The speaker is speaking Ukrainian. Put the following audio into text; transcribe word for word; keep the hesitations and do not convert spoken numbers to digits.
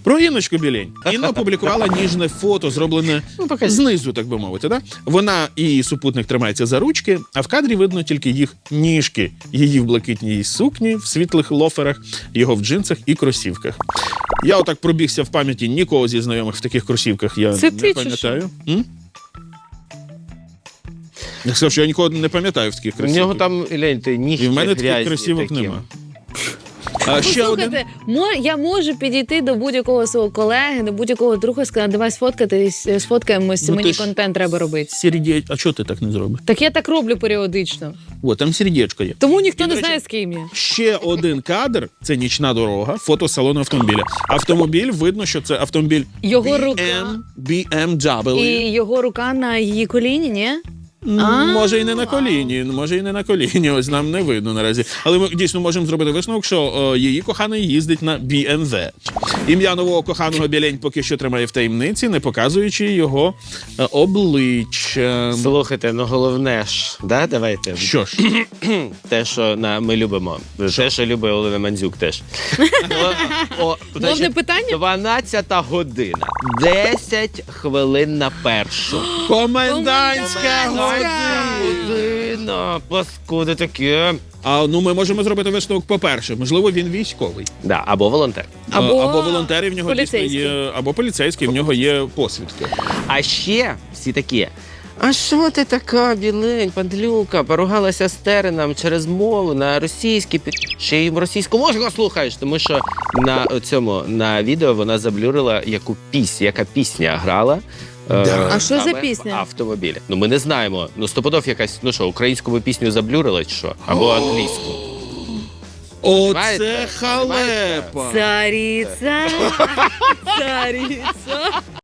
Про Інночку Білень. Інна опублікувала ніжне фото, зроблене знизу, так би мовити. Да? Вона і її супутник тримаються за ручки, а в кадрі видно тільки їх ніжки. Її в блакитній сукні, в світлих лоферах, його в джинсах і кросівках. Я отак пробігся в пам'яті, нікого зі знайомих в таких кросівках я Це не ти чи пам'ятаю. М? Я сказав, що я нікого не пам'ятаю в таких У кросівках. нього там, гляньте, ніжки І в мене грязні таких кросівок такі. нема. А ще один. Послухайте, мо- я можу підійти до будь-якого свого колеги, до будь-якого друга і сказати, давай сфоткатись, сфоткаємось, Ну, мені ти ж- контент треба робити. Сердеч... А чого ти так не зробиш? Так я так роблю періодично. О, там сердечко є. Тому ніхто І, не до речі, знає, з ким я. Ще один кадр – це нічна дорога, фото салону автомобіля. Автомобіль, видно, що це автомобіль Його рука. бі ем, бі ем дабл ю. І його рука на її коліні, ні? М, А. Може і не на коліні, може і не на коліні, ось нам не видно наразі. Але ми дійсно можемо зробити висновок, що о, її коханий їздить на бі ем ве. Ім'я нового коханого Білень поки що тримає в таємниці, не показуючи його е, обличчя. Слухайте, ну головне ж, да, давайте. Що ж, Те, що на, ми любимо. Те, що любить Олена Мандзюк теж. О, о, значить, питання? дванадцята година. десять хвилин на першу. комендантська година! Година. Паскуди таке. А ну ми можемо зробити висновок по-перше. Можливо, він військовий. Да, або волонтер. Або А, або волонтери в нього дійсно поліцейський. є, або поліцейський, в нього є посвідки. А ще всі такі. А що ти така, Білень, падлюка, поругалася з Тереном через мову на російській, під- ще й російську мову слухаєш, тому що на цьому, на відео вона заблюрила, яку пісню, яка пісня грала. Да. А що за саме пісня? В автомобілі. Ну, ми не знаємо. Ну, стопудов якась, ну що, українську би пісню заблюрила чи що? Або англійську. Оце Понимаєте? халепа! Цариця, цариця.